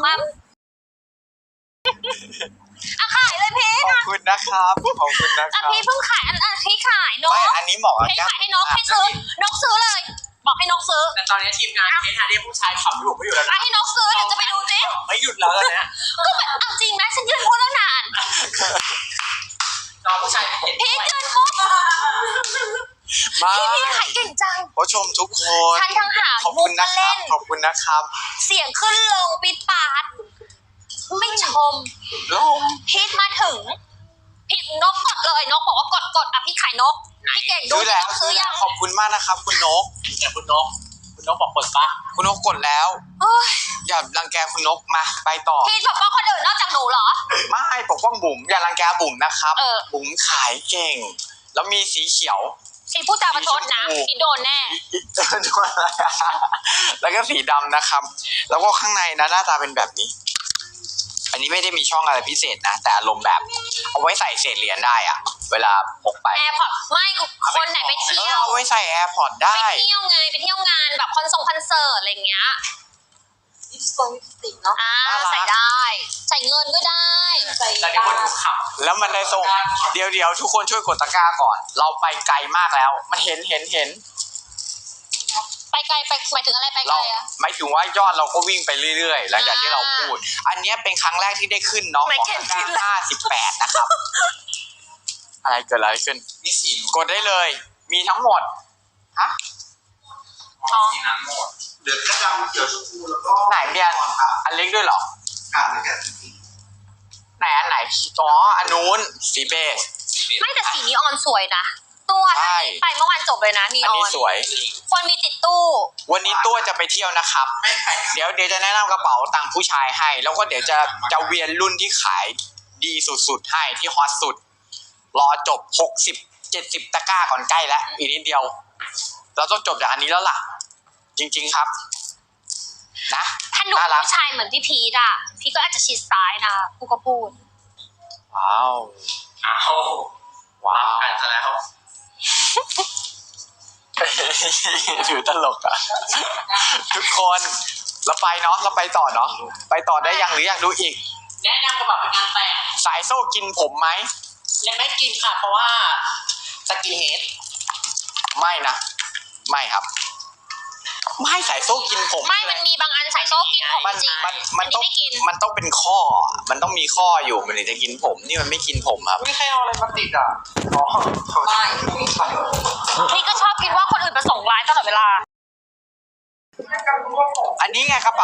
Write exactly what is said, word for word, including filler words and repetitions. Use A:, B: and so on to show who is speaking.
A: มาอ่ะขายเลยพี่
B: ขอบคุณนะครับขอบคุณนะค
A: อ่ะ
B: รับ
A: พี่เพิ่งขายอันอันพี่ขายนก
B: ไม่อันนี้เหมาะกับ
A: ให้
B: แก้ม
A: ขายให้นกให้ซื้อนกซื้อเลย บอกให้นกซื้อ
C: แต่ตอนนี้ทีมงานเทสฮาร์ดผู้ชายขับอยู่ไม่อยู่แล้ว
A: อ่ะ
C: นะ
A: ให้นกซื้อเดี๋ยวจะไปดูสิ
C: ไม่หยุดแล้วนะ
A: ก็แบบเอาจริงนะฉันยืนพูดแล้วนาน
C: น้องผู้ชายเห็น
A: พี่ยืนปุ๊บ
B: มา
A: พี่พี่ขายเก่งจัง
B: ผู้ชมทุกคน
A: ฉันทั้งหา
B: ขอบ
A: มุ
B: คุ
A: ก
B: ณ
A: มา
B: นะครั
A: เล่
B: บ
A: น
B: ขอบคุณนะครับ
A: เสียงขึ้นลงปิดปาดไม่ชม
B: ลง
A: พีทมาถึงพีทนกกดเลยนกบอกว่ากดกดอ่ะพี่ขายนกพี่เก่งดู
B: ซื้อ
A: ที่
B: แล้ว
A: ต้องซื้อยัง
B: ขอบคุณมากนะครับ คุณนก
C: แต่คุณนกคุณนกบอกเปิดปะ
B: คุณนกกดแล้ว
A: โอ้ย
B: อย่ารังแกคุณนกมาไปต่อ
A: พีทบอกว่าคนอื่นนอกจากหนูเหรอ
B: ไม่ปกป้องบุ๋มอย่ารังแกบุ๋มนะครับ
A: เออ
B: บุ๋มขายเก่ง แล้วมีสีเขียว
A: สีพูดจาประชดนะพีทโดนแน่
B: แล้วก็สีดำนะครับ แล้วก็ข้างในนะหน้าตาเป็นแบบนี้ อันนี้ไม่ได้มีช่องอะไรพิเศษนะ แต่อารมณ์แบบ เอาไว้ใส่เศษเหรียญได้อะเวลาพกไป
A: แอร์พอร์ตไม่คนไหนไป
B: เอ
A: เที่
B: อ
A: ยว
B: เอาไว้ใส่แอร์พอร์ตได้
A: ไปเที่ยวไงไปเที่ยวงานแบบคอนเสิร์ตคอนเสิร์ตอะไรอย่างเงี้ย
D: ลิปสติกลิปสติกเนาะ
A: อ่า
B: น่ารัก
A: ใส่ได้ใส่เงินก็ได้
D: ใส่
C: แต่เดี๋ยวคนดูขับ
B: แล้วมันได้ส่งเดี๋ยวเดี๋ยวทุกคนช่วยกดตะกร้าก่อน เราไปไกลมากแล้ว มันเห็นเห็นเห็น
A: ไปไกลไปหมายถึงอะไรไปไก
B: เรา
A: ลอะ
B: หมายถึงว่ายอดเราก็วิ่งไปเรื่อยๆ หลังจากที่เราพูด อันเนี้ยเป็นครั้งแรกที่ได้ขึ้นเนาะ
A: ไม่
B: ของ
A: เข็น
B: ตะ
A: ขึ้น
B: กร้าห้าสิบแปดนะครับ อะไรเกิดอะไรขึ้น
C: มีสี
B: กดได้เลย มีทั้งหมด ฮะ
C: สีนั้นหมด
E: เหลือกระดำเขียวชมพูแล้วก็
B: ไหนเนี่ยอันเล็กด้วยเหรอ
E: อ่านแล้วกัน
B: ไหนอันไหนอ๋ออันนู้นสีเบส
A: ไม่แต่สีนีออนสวยนะตัว
B: ใช่
A: ไปเมื่อวานจบเลยนะนี
B: อัน
A: ออ
B: นี้
A: น
B: สวย
A: คนมีติดตู้
B: วันนี้ตัวจะไปเที่ยวนะครับ
E: ไม่แพง
B: เดี๋ยวเดี๋ยวจะแนะนำกระเป๋าตังค์ผู้ชายให้ แล้วก็เดี๋ยวจะจะเวียนรุ่นที่ขายดีสุดๆให้ที่ฮอตสุด รอจบหกสิบ เจ็ดสิบตะกร้าก่อนใกล้แล้วอีกนิดเดียว เราต้องจบจากอันนี้แล้วล่ะ จริงๆครับ นะ
A: ถ้าหนู
B: น่ารัก
A: ผู้ชายเหมือนพี่พีทอะพี่ก็อาจจะชิดซ้ายนะกูก็พูด
B: ว้าว
C: อ้าว
B: ว้าว
C: กันซะแล้ว
B: ถือตลกอ่ะ ทุกคนเราไปเนาะเราไปต่อเนาะไปต่อได้ยังหรืออยากดูอีก
C: แนะนำกระเป๋าเป็นงานแต่ง
B: สายโซ่กินผมไหม
C: และไม่กินค่ะเพราะว่าสกินเฮด
B: ไม่นะ ไม่ครับ ไม่สายโซ่กินผม
A: ไม่มันมีบางอันใส่โซ่กินผม
B: มัน
A: จริง
B: มันมัน
A: อั
B: ต้อง
A: ไม่กิน
B: มันต้องเป็นข้อ มันต้องมีข้ออยู่มันถึงจะกินผม นี่มันไม่กินผมครับ
E: ไม่ใครเอาอะไรมาติดอ่ะอ๋อ
D: ไม่
A: พี่ก็ชอบคิดว่าคนอื่นประสงค์ร้ายตลอดเวลา
B: อันนี้ไงกระเป๋า